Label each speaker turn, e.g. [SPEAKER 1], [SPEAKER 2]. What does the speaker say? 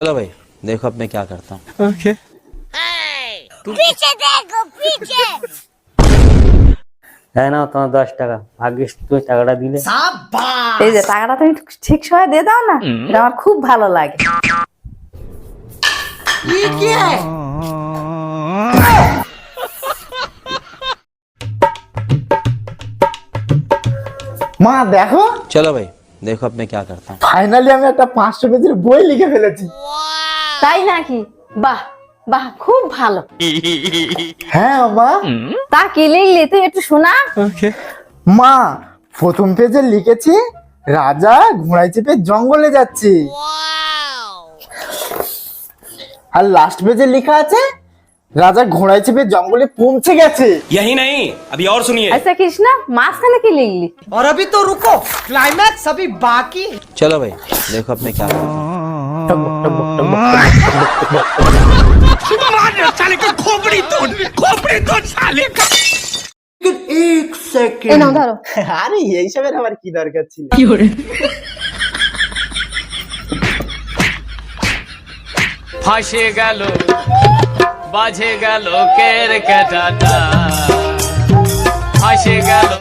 [SPEAKER 1] चलो भाई देखो अब मैं क्या करता हूँ।
[SPEAKER 2] ওকে
[SPEAKER 3] पीछे देखो पीछे।
[SPEAKER 4] তাই না, তোমার 10 টাকা, ভাগ্যিস তুমি টাকাটা দিলে।
[SPEAKER 5] এই যে টাকাটা তুমি ঠিক সময় দিয়ে দাও না, এটা আমার খুব ভালো লাগে।
[SPEAKER 2] মা দেখো,
[SPEAKER 1] चलो भाई देखो अब मैं क्या करता हूँ।
[SPEAKER 2] ফাইনালি আমি একটা 500 পেজের বই লিখে ফেলেছি।
[SPEAKER 5] তাই নাকি? বাহ বাহ, খুব ভালো।
[SPEAKER 2] হ্যাঁ মা।
[SPEAKER 5] তা কি লিখলি তুই একটু শোনা।
[SPEAKER 2] ওকে মা, প্রথম পেজে লিখেছি রাজা ঘোড়ায় চেপে জঙ্গলে যাচ্ছে, আর লাস্ট পেজে লেখা আছে রাজা ঘোড়ায় চেপে জঙ্গলে পৌঁছে গেছে।
[SPEAKER 6] यही नहीं, अभी और सुनिए।
[SPEAKER 5] আচ্ছা কৃষ্ণা, মাঝখানে কি লিখলি?
[SPEAKER 7] और अभी तो रुको, क्लाइमैक्स अभी बाकी।
[SPEAKER 1] चलो भाई देखो अब मैं क्या करता हूँ।
[SPEAKER 5] এই নাও ধরো।
[SPEAKER 2] আরে এইসবের আবার কি দরকার ছিল?
[SPEAKER 8] ফাঁসে গেল বাজে গেল কের কেটাটা ফাঁসে গেল।